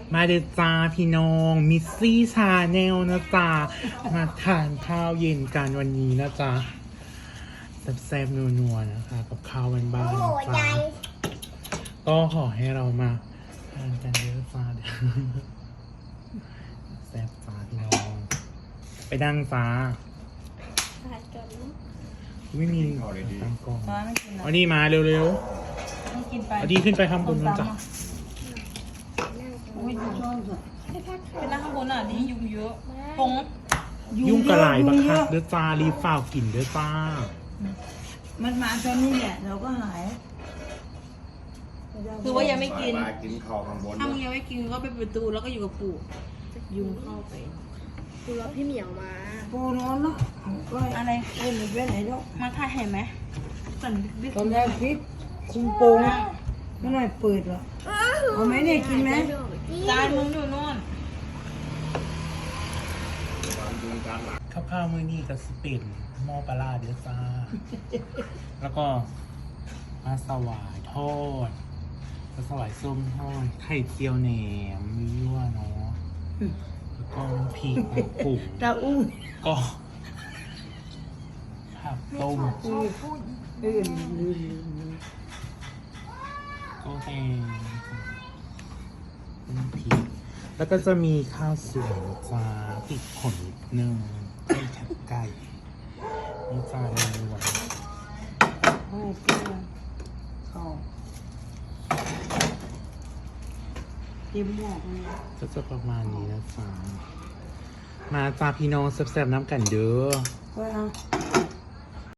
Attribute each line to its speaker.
Speaker 1: มาเดจ้าพี่น้องมิสซี่ชาแนลนะจ๊ะมาทานข้าวเย็นกันวันนี้นะจ๊ะแซ่บๆนัวๆนะคะกับข้าวบ้านๆนะจ๊ะก็ขอให้เรามาทานกันเยอะจ้าแซ่บจ้าพี่น้องไปนั่งจ้าไม่มีตั้งกล้อง
Speaker 2: ไม่กินนะ
Speaker 1: เอานี่มาเร็ว
Speaker 2: ไม่กินไป
Speaker 1: ๆเอาดีขึ้นไปข้างบนนะจ๊ะ
Speaker 2: อุ้ยยุงเป็นนั่งข้างบนอ่ะนี่ยุงเยอะพง
Speaker 1: ยุ่งกระไหลบักคักเด้อจ้ารีบฝ่าวกลิ่นเด้อจ้า
Speaker 3: มันมาตอนนี้แหละเราก็หาย
Speaker 2: คือว่ายังไม่กิน
Speaker 4: กินข้าวข้างบน
Speaker 2: ถ้ามึงยังไม่กินก็ไปประตูแล้วก็อยู่กับปู่ยุงเข้าไป
Speaker 5: ดูแล้วพี่เหมียวมา
Speaker 3: โปนอนเนาะก็
Speaker 2: อะไร
Speaker 3: ไม่มีเว้นไหนหรอก
Speaker 2: มาถ่ายเห็นไหมก่อนบิ๊ก
Speaker 3: ตอนแรกพริกคุมโปงไม่น่าเปิดหรอกเอาไหมเนี่ยกินไหม
Speaker 2: จานมึงอยู่นู่น
Speaker 1: ข้าวมื้อนี้ก็สิเป็นหม้อปลาร้าเด้อจ้า แล้วก็ปลาสวายทอดปลาสวายส้มทอดไข่เจียวแหนมมียั่วเนาะแล้วก็พริกมะกรูด
Speaker 3: ตาอู้
Speaker 1: ก็ผักต้ม
Speaker 3: อื่น
Speaker 1: ก็แห้งต้มพริกแล้วก็จะมีข้าวสวยจ้าติดผลนิดนึงไก่แคบไก่นี่จ้าเลยวัน
Speaker 3: ไม่เปรี้ยวข้าวเต็มหม้อเลย
Speaker 1: ก็จะประมาณนี้นะจ๊ะมาจ้าพี่น้องแซ่บๆน้ำกันเด้อ
Speaker 3: ก็เอา